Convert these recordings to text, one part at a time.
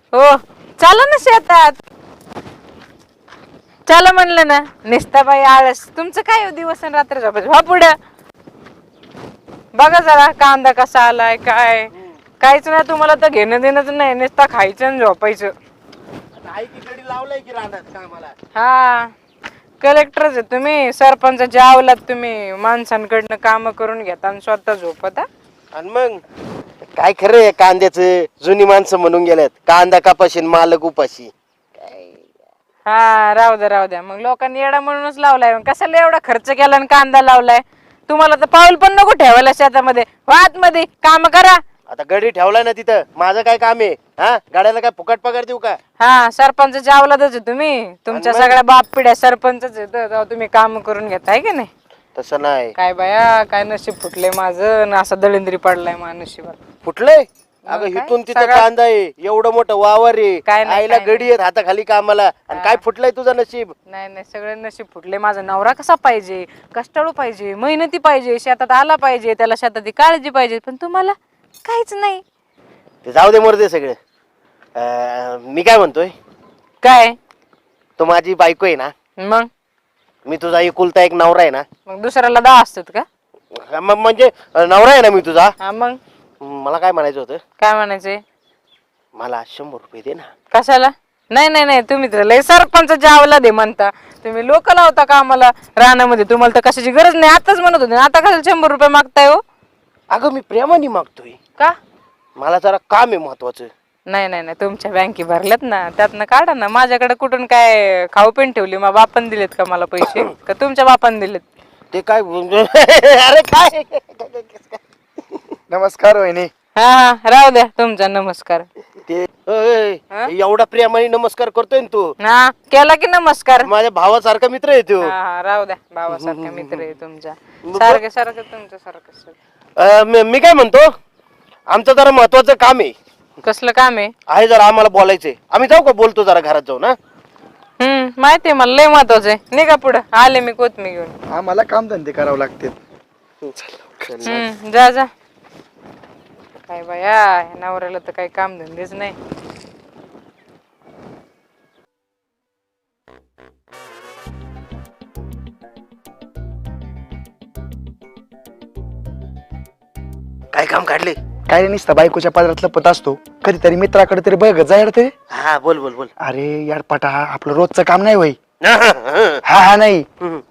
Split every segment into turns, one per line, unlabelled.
हो चला ना शेतात. चला म्हणलं ना. निसता बाई आळस तुमचं काय हो, दिवस आणि रात्र झोपायचं. हा पुढं बघा जरा कांदा कसा आलाय काय. काहीच नाही तुम्हाला तर घेणं देणंच नाही, नुसता खायचं आणि झोपायचं.
आई की गडी लावलाय की राहणार कामाला.
हा कलेक्टरच आहे तुम्ही, सरपंचाचे आवलात तुम्ही. माणसांकडनं काम करून घेता आणि स्वतः झोपता.
आणि मग काय खरं आहे कांद्याचं. जुनी माणसं म्हणून गेल्यात कांदा कापाशी मालक उपाशी.
हा राहू द्या मग. लोकांनी येडा म्हणूनच लावलाय. मग कशाला एवढा खर्च केला आणि कांदा लावलाय. तुम्हाला तर पाऊल पण नको ठेवायला शेतामध्ये. वात मध्ये काम करा.
आता गडी ठेवलाय ना तिथं, माझं काय काम आहे? हा गाड्याला काय फुकट पगार देऊ का?
हा सरपंचाच्या आवलादच आहे तुम्ही. तुमच्या सगळ्या बाप पिढ्या सरपंचच आहे, तेव्हा तुम्ही काम करून घेताय की नाही.
तसं नाही.
काय बाया काय नशीब फुटले माझं ना, असा दळिंद्री पडलाय माझ्या नशिबात.
फुटलंय? अगं इथून तिथं कांदा आहे, एवढं मोठं वावर आहे,
काय नाही,
आईला
काय
गडी आहेत हाताखाली कामाला, आणि काय फुटलंय तुझं नशीब?
नाही सगळे नशीब फुटले. माझा नवरा कसा पाहिजे, कष्टाळू पाहिजे, मेहनती पाहिजे, शेतात आला पाहिजे, त्याला शेताची काळजी पाहिजे. पण तुम्हाला काहीच नाही.
ते जाऊ दे मरदे सगळं. मी काय म्हणतोय,
काय
तो माझी बायको आहे ना,
मग
मी तुझा एकुलता एक नवरा आहे ना.
मग दुसऱ्याला 10 असतात का?
म्हणजे नवरा आहे ना मी तुझा.
हा मग
मला काय म्हणायचं होतं,
काय म्हणायचंय?
मला 100 रुपये दे ना.
कशाला? नाही तुम्ही तर लय सरपंचाच्या आवला दे म्हणता. तुम्ही लोक लावता का आम्हाला रानामध्ये? तुम्हाला तर कशाची गरज नाही. आताच म्हणत होते, आता कशाला 100 रुपये मागताय हो?
अगं मी प्रेमाने मागतोय,
का?
मला जरा काम आहे महत्वाचं.
नाही तुमच्या बँके भरल्यात ना, त्यातनं काढा ना. माझ्याकडे कुठून काय खाऊ पेन ठेवली? मग बापान दिलेत का मला पैसे, का तुमच्या बापान दिलेत?
ते काय अरे काय. नमस्कार वहिनी.
हा राहू द्या तुमचा नमस्कार.
ते एवढा प्रेमाने नमस्कार करतोय ना तू.
हा केला की नमस्कार.
माझ्या भावासारखा मित्र आहे तो.
हा राहू द्या, भावासारखा मित्र आहे तुमचा. सारखं तुमच्या सारखं.
मी काय म्हणतो, आमचं जरा महत्वाचं काम आहे.
कसलं काम आहे?
जरा आम्हाला बोलायचंय. आम्ही जाऊ का? बोलतो जरा घरात जाऊ ना.
माहितीये मला, लय महत्वाचं आहे. निघा पुढं, आले मी कोथमी घेऊन.
आम्हाला काम धंदे करावं लागते.
जा काय बाया, ह्या नवऱ्याला तर काही काम धंदेच नाही.
काय काम काढले?
काय रे, नुसता बायकोच्या पदरात लपत असतो. कधीतरी मित्राकडे तरी बघ जायला तरी.
हा बोल बोल बोल.
अरे यार पटा, आपलं रोजचं काम नाही वय.
हा
हा नाही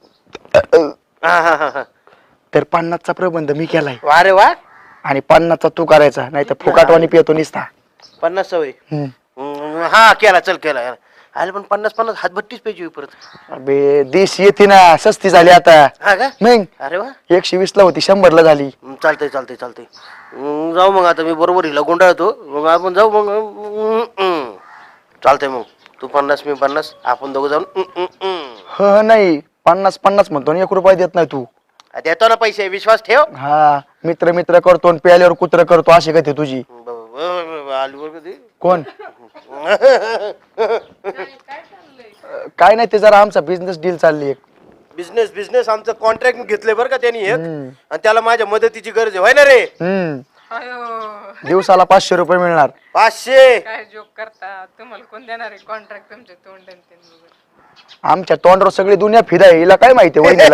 हा.
तर 50चा प्रबंध मी केलाय,
वा रे वा.
आणि 50चा तू करायचा, नाही तर फुकाटवाणी पितो निसता.
50 सवय. हा केला, चल केला. अरे पण 50 हातभट्टीच पाहिजे परत.
अबे देश येते ना, सस्ती झाली आता.
हा का?
मग
अरे वा.
120 ला होती, 100 ला झाली.
चालतंय. जाऊ मग आता, मी बरोबर हिला गुंडाळतो, मग आपण जाऊ मग. चालतंय मग, तू 50 मी 50, आपण दोघं जाऊन.
नाही 50 म्हणतो, 1 रुपया देत नाही तू.
देतो ना पैसे, विश्वास ठेव.
हा मित्र करतो आणि प्याल्यावर कुत्र करतो, अशी कधी तुझी. कोण? काय नाही, ते जरा आमचा बिझनेस डील चालली एक.
बिझनेस आमचं कॉन्ट्रॅक्ट घेतलंय बरं का त्यांनी एक, आणि त्याला माझ्या मदतीची गरज आहे, होय ना रे?
दिवसाला 500 रुपये मिळणार.
500?
काय जोक करता? तुम्हाला कोण देणार आहे कॉन्ट्रॅक्ट? तुमच्या तोंड
आमच्या तोंडावर सगळी दुनिया फिराय, हिला काय माहिती वहिनीला.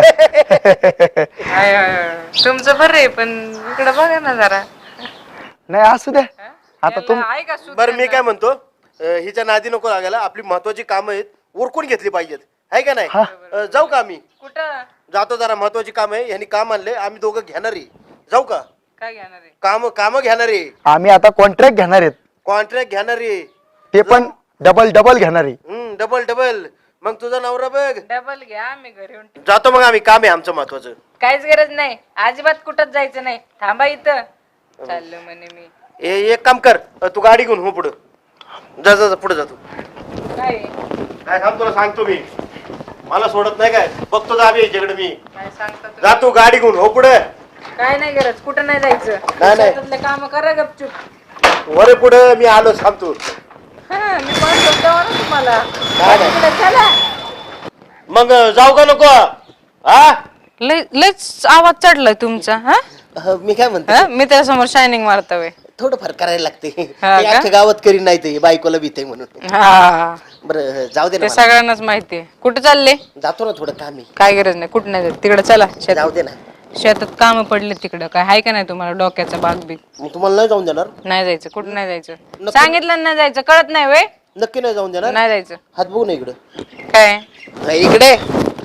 तुमचं बरं आहे, पण इकडे बघा ना जरा.
नाही असू द्या आता तुम.
बरं मी काय म्हणतो, हिच्या नादी नको लागायला. आपली महत्वाची कामं आहेत, उरकून घेतली पाहिजेत, आहे का नाही? जाऊ का आम्ही?
कुठं
जातो, जरा महत्वाची काम आहे. यांनी काम आणले, आम्ही दोघं घेणारी. जाऊ का?
काय घेणार आहे?
काम घेणारी.
आम्ही आता कॉन्ट्रॅक्ट घेणार आहेत,
कॉन्ट्रॅक्ट घेणारी,
ते पण डबल घेणार आहे.
डबल. मग तुझा नवरा बघ.
डबल घ्या, आम्ही घरी येऊन
जातो मग आम्ही, काम आहे आमचं महत्वाचं.
काहीच गरज नाही, अजिबात कुठंच जायचं नाही. थांबा इथं, चाललो म्हणे मी.
एक काम कर, तू गाडी घेऊन हो पुढं. जा पुढे जातो. काय थांब, तुला सांगतो मी, मला सोडत नाही काय. बघतो जा आम्ही याच्याकडे. मी
काय सांगता तुम्ही?
जातो, गाडी घेऊन हो पुढे.
काय नाही गरज, कुठं नाही जायचं.
नाही.
काम करा गपचूप.
वरे पुढे मी आलो, थांबतो.
मी पण बोलतो ना तुम्हाला.
नाही.
चला.
मग जाऊ का नको? हा
लयच आवाज चढलाय तुमचा.
मी काय म्हणतो,
मी त्याच्यासमोर शायनिंग मारतोय.
थोडंफार करायला लागते
हा
ते
का?
अख्ख्या गावात करीन नाही ते बायकोला भीते म्हणून.
हा
बरं जाऊ दे ना
ते
मला.
सगळ्यांनाच माहितीये. कुठं चालले?
जातो ना थोडं काम आहे.
काय गरज नाही, कुठं नाही जात. तिकडे चला
जाऊ
शेतात.
दे ना.
शेतात काम पडले तिकडं. काय आहे का नाही तुम्हाला डोक्याचा बाग बीग?
मग तुम्हाला नाही जाऊन देणार?
नाही जायचं, कुठं नाही जायचं.
नक्की-
सांगितलं ना नाही जायचं, कळत नाही वे.
नक्की नाही जाऊन देणार?
नाही जायचं.
हात बघू ना इकडं.
काय
नाही इकडे.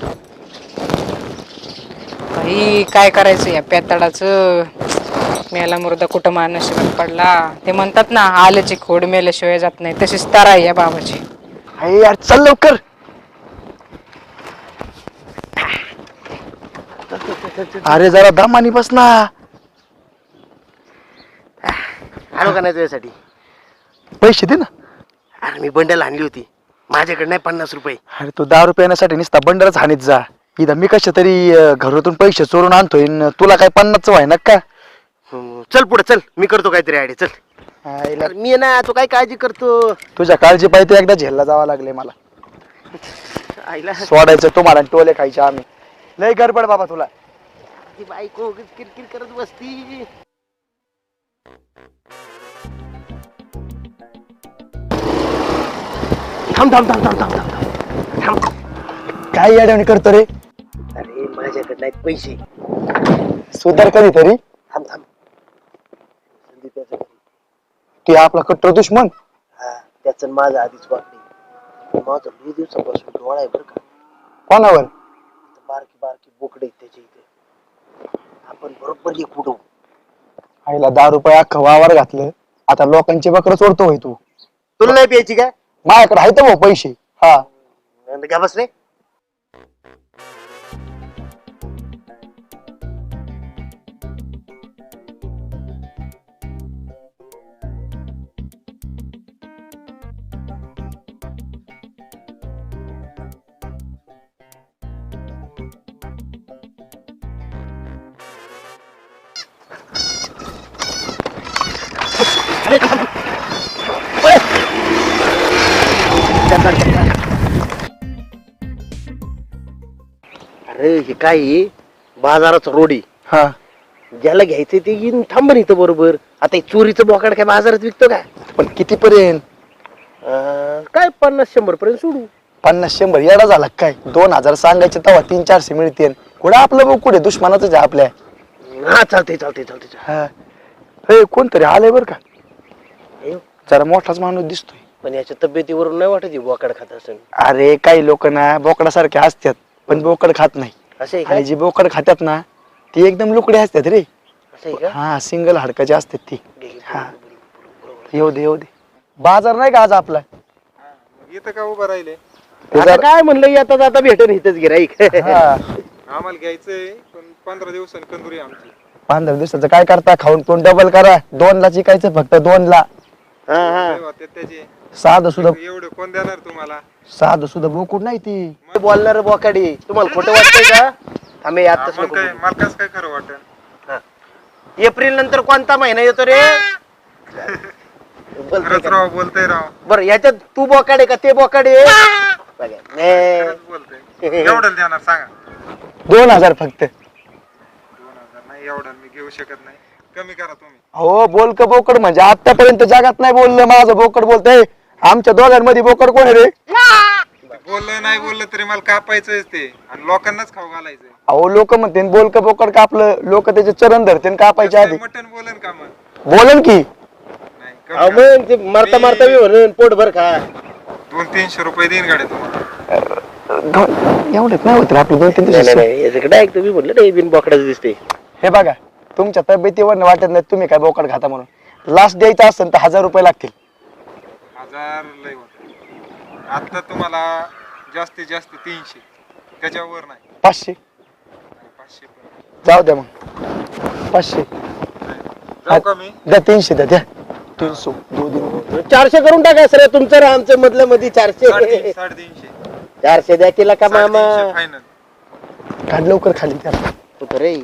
बाई काय करायचं या पेताडाचं? मेला मुर्दा कुठं माणूस पडला. ते म्हणतात ना आल्याची खोड मेल्याशिवाय जात नाही, तशीच तारा आहे या बाबाची.
अरे यार चल लवकर. अरे जरा दमानी बस ना.
आणू का नाही तुझ्यासाठी?
पैसे दे ना.
अरे मी बंडल आणली होती, माझ्याकडे नाही 50 रुपये.
अरे तू 10 रुपये येण्यासाठी नुसता बंडलच हानीत जा. इथं मी कशा तरी घरातून पैसे चोरून आणतोय न तुला काय 50चं व्हाय ना का?
चल पुढे चल, मी करतो काहीतरी आयडिया. चल. अरे मी ना, तू काय काळजी करतो?
तुझ्या काळजी पाहिजे एकदा झेलला जावं लागले मला.
आईला
सोडायचं तुम्हाला आणि टोले खायचे आम्ही. लय गडबड बाबा तुला.
ती बायको उगाच किरकिर करत बसती. थांब थांब थांब थांब थांब थांब थांब.
काय येड्यावानी करतो रे?
अरे माझ्याकडे नाहीत पैसे.
सुधार कधीतरी.
थांब थांब. संदीप
तू आपला कट्टर दुश्मन.
हा, त्याचं माझं आधीच वाकडी. माझं 2 दिवसापासून डोळा आहे बरं का.
कोणावर?
बारकी बारकी बोकडे आहेत त्याच्या इथे. आपण बरोबर एक उडवू.
आईला 10 रुपये अख्खं वावर घातलं. आता लोकांची बकरं चोरतो होय तू.
तुला नाही प्यायची काय?
माझ्याकडे आहेत भाऊ पैसे. हा
घ्या बस रे. अरे हे काय आहे? बाजाराचं रोडी.
हा
ज्याला घ्यायचं ते येऊन थांब इथं बरोबर. आता हे चोरीचं बोकाड काय बाजारात विकतो का?
पण किती पर्यंत?
काय 50-100 पर्यंत सोडू.
50-100 येडा झाला काय? 2000 सांगायचे तेव्हा 300-400 मिळतील. कुठं आपलं भाऊ कुठे दुश्मनाच आहे आपल्या.
हा चालते चालते चालते.
हा हे कोणतरी आलंय बर का?
हे,
जरा मोठाच माणूस दिसतोय.
पण याच्या तब्येतीवरून नाही वाटत बोकाड खात असेल.
अरे काही लोक ना बोकडासारखे असतात पण बोकड खात नाही.
असं आहे
आणि
का?
जी बोकड खातात ना ती एकदम लुकडे असतात रे.
असं आहे का?
हा सिंगल हाडकाची असतात ती.
घे, घे,
हा
बरोबर.
येऊ दे येऊ दे. बाजार नाही का आज आपला?
इथं का उभं राहिले?
ते
आता
जरा-
काय म्हणलं आता जाता भेटेन इथंच गिराईक.
हा
आम्हाला घ्यायचंय पण 15 दिवसांनी कंदुरी आमची.
15 दिवसाचं काय करता? खाऊन पिऊन डबल करा. 2 ला चिकायचं फक्त 2 ला.
लय होते त्याचे.
साधं सुद्धा
एवढे कोण देणार तुम्हाला?
साधं सुद्धा बोकुड नाही ती.
बोलणार बोकाडी तुम्हाला खोटं वाटतंय का? आम्ही आताच
आपण
नको
काय
बोलू.
मला कसं काय खरं वाटेल?
एप्रिल नंतर कोणता महिना येतो रे? बोलतोय
खरंच
का?
राव, बोलतोय राव.
बरं याच्यात तू बोकाडे का ते बोकाडे? बघा. ने.
खरंच बोलतोय. एवढं देणार सांगा?
2000 फक्त.
2000 नाही, एवढं मी घेऊ शकत नाही. कमी करा तुम्ही.
हो बोलक बोकड म्हणजे आतापर्यंत जगात नाही बोललं माझं बोकड बोलतय. आमच्या दोघांमध्ये बोकड कोण आहे रे?
बोललं नाही बोललं तरी मला कापायचंच ते आणि लोकांनाच खाऊ घालायचंय.
अहो लोक म्हणते बोलक बोकड कापलं लोक त्याचे चरण धरते कापायच्या आधी.
मटन बोलन का मग?
बोलन की
नाही, कमी
अहो
करा.
मग ते मारता मारता मी म्हणून पोट भर खा.
200-300 रुपये देईन गाडी तुम्हाला.
एवढेच नाही होत रे आपलं 2-3
नाही
दिवस.
नाही याच्याकडे ऐक तुम्ही म्हणलं नाही बिन बोकडाच दिसते.
हे बघा तुमच्या तब्येतीवर वाटत नाही तुम्ही काय बोकड खाता म्हणून. लास्ट द्यायचं असेल तर 1000 रुपये लागतील.
1000 लय होत. आता तुम्हाला जास्तीत जास्त 300, त्याच्यावर नाही.
500
500 पण.
जाऊ द्या मग 500
जाऊ का मी?
द्या 300 द्या 300 2
400 करून टाका सर तुमचं आमचं मधल्या मध्ये 400.
350.
400 द्या केला का मामा?
फायनल.
काढ लवकर खाली त्याला.
कुठं रे?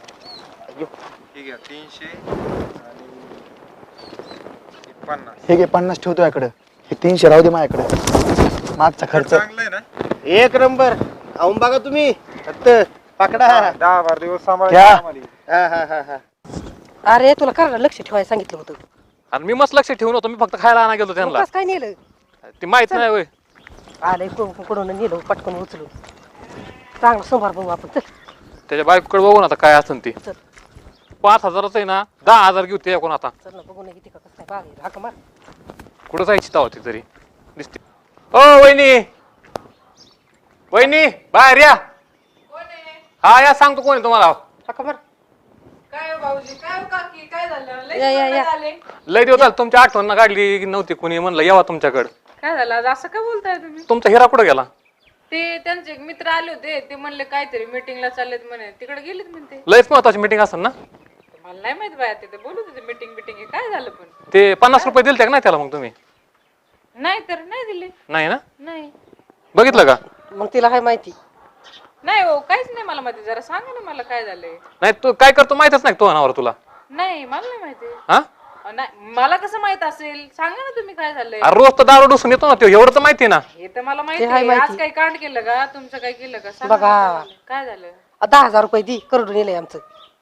ठीक आहे 300 आणि 50.
हे घे 50 ठेवतो याकडं. हे 300 राहू दे माझ्याकडे. मागचा खर्च
चांगलं आहे ना?
एक नंबर. खाऊन बघा तुम्ही फक्त पकडा.
10-12 दिवस
घ्या.
सांभाळा.
हा हा हा हा.
अरे तुला करायला लक्ष ठेवायला सांगितलं होतं.
आणि मी मस्त लक्ष ठेवून होतो, मी फक्त खायला आणा गेलो त्यांना.
कसं काय नेलं?
ती माहित नाही होय.
आलंय कुठून नेलं पटकन उचलून. चांगलं सोमवार बघू आपण. चल
त्याच्या बायकोकडे बघून आता काय असेल ती.
चल
5,000च आहे ना, 10,000 घेऊ ते कोण आता.
चल ना बघू ना किती का कसं काय बाग हाक मार.
कुठं जायची ताव ती तरी दिसते. ओ वहिनी, वहिनी बाहेर या. हा या, सांगतो कोण आहे तुम्हाला.
हाक मार.
काय हो भाऊजी, काय हो काकी, काय झालं? लय
या, या,
दिवस
या.
झाले.
लय दिवस झाले तुमची आठवण काढली नव्हती कुणी, म्हणलं यावा तुमच्याकडे.
काय झालं आज असं का बोलताय तुम्ही?
तुमचा हिरा कुठं गेला?
ते त्यांचे एक मित्र आले होते, ते म्हणले काहीतरी मीटिंगला चाललेत म्हणे, तिकडे गेलेत म्हणते.
लयच महत्वाची मीटिंग असेल ना.
मला नाही माहित बाया, तिथे बोलत होते मीटिंग बिटिंग. काय झालं पण?
ते 50 रुपये दिलते का नाही त्याला मग तुम्ही?
नाही तर नाही दिले.
नाही ना,
नाही
बघितलं का?
मग तिला काय माहिती?
नाही हो, काहीच नाही मला माहिती. जरा सांगा ना मला काय झालंय.
नाही तू काय करतो माहितच नाही तो अनावर तुला.
नाही मला नाही माहिती.
हा
नाही मला कसं माहित असेल, सांगा ना तुम्ही काय झालंय.
अरे रोज तर दारू डुसून येतो ना तो, एवढं तर माहिती ना.
हे तर मला माहिती
ते हाय
आहे.
माहिती.
आज काही कांड केलं का? तुमचं काय केलं का? सांगा
बघा.
ना काय झालं.
10,000 रुपये दी करोडून नेलंय आमचं.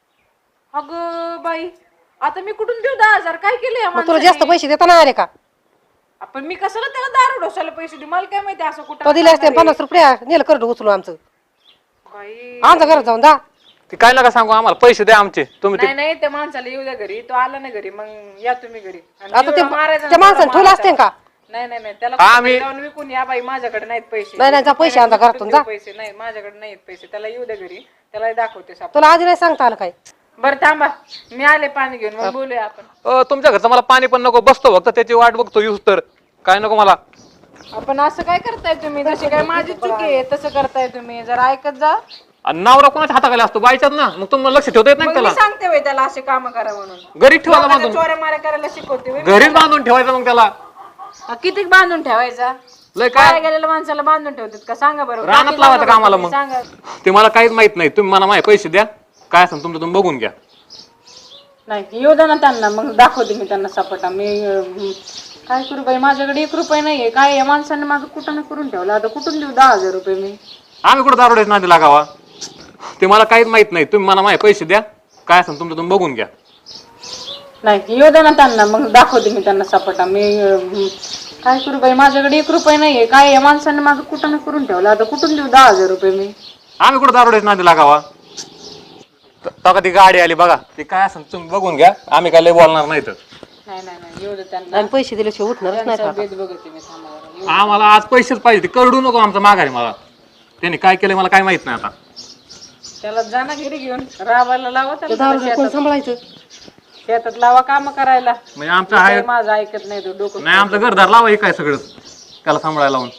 अगं बाई, आता मी कुठून देऊ 10,000? काय केलंय
मग तुला जास्त पैसे देता नाही आले का?
आपण मी कशाला त्याला दारू डोसायला पैसे देऊ? मला काय माहिती असं
तो
कुठं
दिले असते 50 रुपये नेलं करोड उचलून आमचं.
बाई.
आमच्या घरात जाऊन जा.
ते काय नका सांगू आम्हाला, पैसे द्या आमचे तुम्ही.
नाही नाही, त्या माणसाला येऊ द्या घरी. तो आला ना घरी, मग या तुम्ही घरी. आणि
आता
एवढं मारायचं
त्या
ना,
माणसाने
त्याला
ठेवलं असते
मारायचं.
का?
नाही नाही नाही, त्याला
आम्ही-
कुठं जाऊन विकून या बाई, माझ्याकडे नाहीत पैसे.
नाही, नाही, जा पैसे आणा घरातून, जा.
पैसे नाही, माझ्याकडे नाहीत पैसे. त्याला येऊ द्या घरी, त्याला दाखवते साप.
तुला आधी नाही सांगता आलं काय?
बरं थांबा, मी आले पाणी घेऊन, मग बोलूया आपण.
तुमच्या घरचं मला पाणी पण नको, बसतो फक्त त्याची वाट बघतो यूज तर. काय नको मला.
आपण असं काय करताय तुम्ही? जशी काय माझी चुकी आहे तसं करताय तुम्ही. जरा ऐकत जा.
आणि नवरा कोणाच्या हाताखाली असतो? बायच्यात ना, मग तुम्हाला लक्ष ठेवता येत नाही
मग
का
मी
त्याला?
सांगते वय त्याला असे काम करा म्हणून.
घरीच ठेवायला
लोकांना
बांधून,
चोऱ्या माऱ्या करायला शिकवते वय.
घरीच बांधून ठेवायचं मग त्याला.
किती बांधून ठेवायचा?
लय
काय
काय
गेलेल्या माणसाला बांधून ठेवतात का? सांगा बरं.
रानात
बाकी
लावायचं
सांगा
कामाला
बरं,
मग.
सांगा.
ते मला काहीच माहित नाही. तुम्ही मला माझे पैसे द्या, काय असेल तुमचं तुम्ही बघून घ्या.
नाही येऊ द्या ना त्यांना, मग दाखवते मी त्यांना सपाटा. मी काय करू बाई, माझ्याकडे 1 रुपये नाहीये. काय या माणसाने माझं कुठं करून ठेवलं. आता कुठून देऊ 10,000 रुपये मी?
आम्ही कुठं दारोडेच नादी लागावा? ते मला काहीच माहित नाही. तुम्ही मला माझे पैसे द्या, काय असेल तुमचं तुम्ही बघून घ्या.
नाही येऊ द्या ना त्यांना, मग दाखवते मी त्यांना सपाटा. मी काय करू बाई, माझ्याकडे 1 रुपये नाहीये. काय या माणसाने माझं कुठं करून ठेवलं. आता कुठून देऊ 10,000 रुपये मी?
आम्ही कुठं दारोडेच नादी लागावा? तेव्हा ती गाडी आली बघा, ते काय असेल तुम्ही बघून घ्या. आम्ही काय लय बोलणार नाही तर.
नाही नाही नाही, येऊ द्या त्यांना.
आणि पैसे दिल्याशिवाय उठणारच नाही.
त्यांचा भेद बघते मी. थांबा बरं.
आम्हाला आज पैसेच पाहिजे. ते करडू नको आमचा माघारी. मला त्यांनी काय केलंय मला काय माहित नाही आता.
त्याला जाना घरी घेऊन राबायला लावा त्याला.
10,000 रुपये कोण सांभाळायचं?
शेतात लावा काम करायला.
म्हणजे आमचं आहे
माझं ऐकत नाही तो. डोकं
नाही, आमचं घरदार लावा हे काय सगळं त्याला सांभाळायला लावून.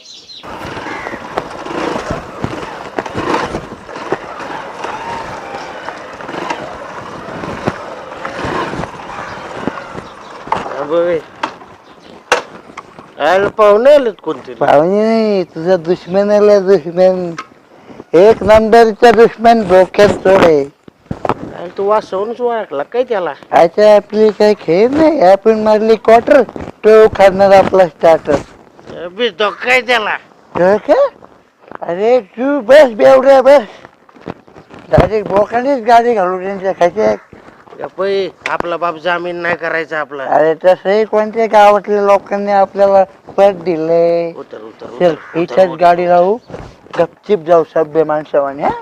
पाहुणे आलेत कोणते?
पाहुणे नाही, तुझा दुश्मन आला. दुश्मन 1 नंबरचा दुश्मन, डोक्यात चोरे.
तू वाचवूनच ओळखला काय त्याला?
अच्छा, आपली काही खेळ नाही. आपण मारली क्वार्टर, तो खाणार आपला स्टार्टर.
तो काय त्याला?
अरे तू बस बेवड्या, बस. डायरेक्ट बोकानेच गाडी घालू त्यांच्या खात्यात.
पै आपला बाप जामीन नाही करायचा आपला.
अरे तसंही कोणत्या गावातल्या लोकांनी आपल्याला पद दिले.
उतर उतर
चल इथेच गाडी राहू, गपचिप जाऊ सभ्य माणसावाने. हा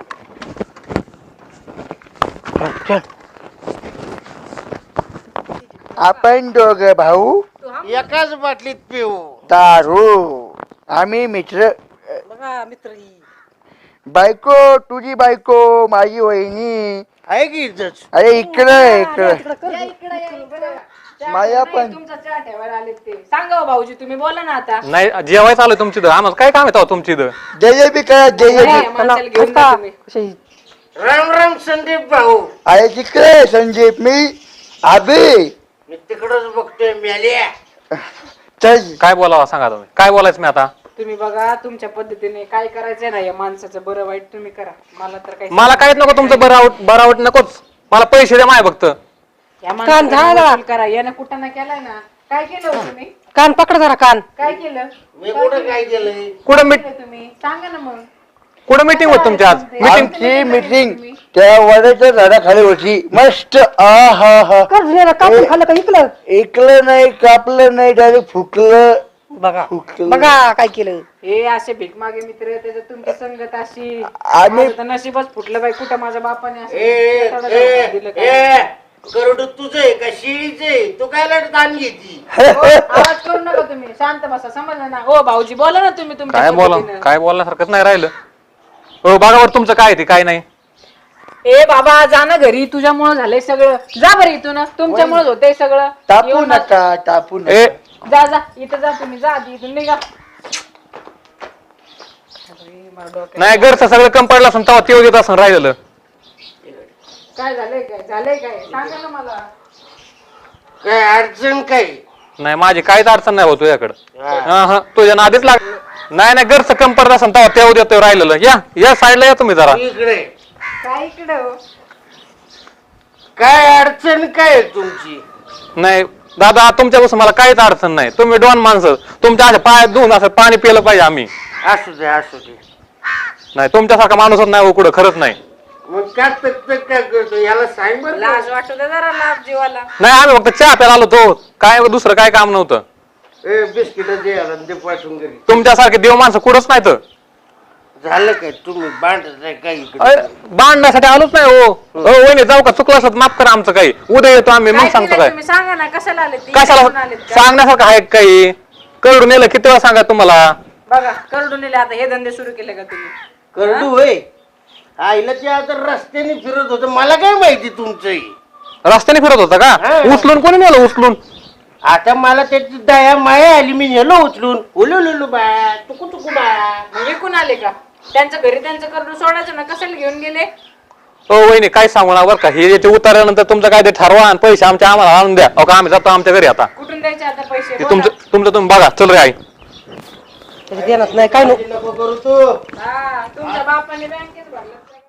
चल. आपण दोघ भाऊ
एकाच बाटलीत पिऊ.
दारू. आम्ही मित्र.
बघा मित्र ही.
बायको तुझी बायको, माझी वहिनी.
आहे की इज्जत?
अरे इकडं इकडं. माया पण.
तुमचा चहा ठेवायला आले ते. सांगा हो भाऊजी, तुम्ही बोला ना आता.
नाही जेवायचं आलोय तुमची इथं. आम्हाला काय काम येतं तुमची इथं?
जयबी करा, जयबी.
या माणसाला घेऊन जा तुम्ही.
कशी?
राम राम संदीप भाऊ.
अरे तिकडे संजीप, मी अभि.
मी तिकडच बघतोय मेल्या.
चल.
काय बोलावं सांगा तुम्ही. काय बोलायचं मी आता?
तुम्ही बघा तुमच्या पद्धतीने काय करायचंय ना, या माणसाचं बरं वाईट तुम्ही करा. मला तर काही
मला काहीच नको तुमचं बरावट नकोच. मला पैसे द्या माझ्या फक्त.
या माणसाला वसूल करा. यानं कुठं ना केलाय ना. काय केलं हो तुम्ही?
कान पकड जरा कान.
काय केलं?
मी कुठं काय केलंय?
कुठं
केलं तुम्ही सांगा ना मग.
कुठं मीटिंग होत तुमची आज? मीटिंग
आमची मीटिंग त्या वडाच्या झाडाखाली होती मस्त आ हा हा
कर्ज नेलं कापून खाल्लं का इकलं
ऐकलं नाही कापलं नाही डायरेक्ट फुटलं
बघा
फुटलं.
बघा काय केलं
हे असे भिकमागे मित्र त्याच्यात तुमची संगत अशी
आम्ही-
माझं तर नशीबच फुटलं बाई कुठं माझ्या बापाने असं दिलं काय.
करोड तुझं आहे का शिळीचं आहे तू काय ताण घेती
हो, आवाज करू नका तुम्ही शांत बसा समजलं ना हो भाऊजी बोला ना तुम्ही तुमच्या
काय बोला
पद्धतीनं.
काय बोलण्यासारखंच नाही राहिलं हो बघा बरं तुमचं काय ते काय नाही
ए बाबा जा ना घरी तुझ्यामुळं झालंय सगळं जा बरं इथून तुमच्यामुळेच होतंय सगळं
टापू
येऊ
नका टापू
ए
नका
जा जा इथं जा तुम्ही जा आधी इथून निघा
नाही घरचं सगळं कम पडलं असं तेव्हा तेव्हा देत असं राहिलेलं
काय झालंय काय सांगा ना मला
काय अडचण काय
नाही माझी काहीच अडचण नाही होत तुझ्याकडं तुझ्या नादीच लाग नाही नाही घरचं कम पडलं असं तेव्हा तेव्हा देतो राहिलेलं या साईडला या तुम्ही जरा
इकडे
काय इकडं हो?
काय अडचण काय आहे तुमची
नाही दादा तुमच्यापासून मला काहीच अडचण नाही तुम्ही डॉन माणसं तुमच्या अशा पायात धुवून असं पाणी पिलं पाहिजे आम्ही
असू दे
नाही तुमच्यासारखा माणूसच नाही हो कुठं खरंच नाही
मग काय तक काय करतो याला सांग बरं
लाज वाटू दे जरा लाभ जीवाला
नाही आम्ही फक्त चहा प्यायला आलो तो काय दुसरं काय काम नव्हतं
बिस्किट दे याला ते पाठवून घरी
तुमच्यासारखे देव माणसं कुठंच नाही तर
झालं काय तुम्ही बांधत काय इकडे
अरे, बांधण्यासाठी आलोच नाही हो वहिनी जाऊ का चुकलं असलं तर माफ करा आमचं काही उद्या येतो आम्ही मग
काय
सांगतो
केलंय
काय
तुम्ही सांगा ना कशाला आले ते
कशाला
इकडून आलेत का?
सांगण्यासारखं आहे का काही करडून नेलं किती वेळा सांगा तुम्हाला
बघा करडून नेले आता हे धंदे सुरू केले का तुम्ही
करडू होय आईला ते आता रस्त्याने फिरत होत मला काय माहिती तुमचंही
रस्त्याने फिरत होता का
हा.
उचलून कोणी नेलं उचलून
आता मला त्याची दया माया आली मी नेलो उचलून ओलो बा तुकू बा
मग विकून आले का त्यांच्या घरी त्यांचं करडून सोडायचं ना कशाला घेऊन गेले
हो वहिनी काय सांगू ना बरं का हे याचे उतारल्यानंतर तुमचं काय ते ठरवा आणि पैसे आम्हाला आणून द्या अहो का आम्ही जातो आमच्या घरी आता
कुठून द्यायचे आता पैसे
ते
बोला.
तुमचं तुम्ही बघा चल रे आई
त्याच्या देणार नाही काय नको
नको करू तू
हा तुमच्या बापाने बँकेत भरलं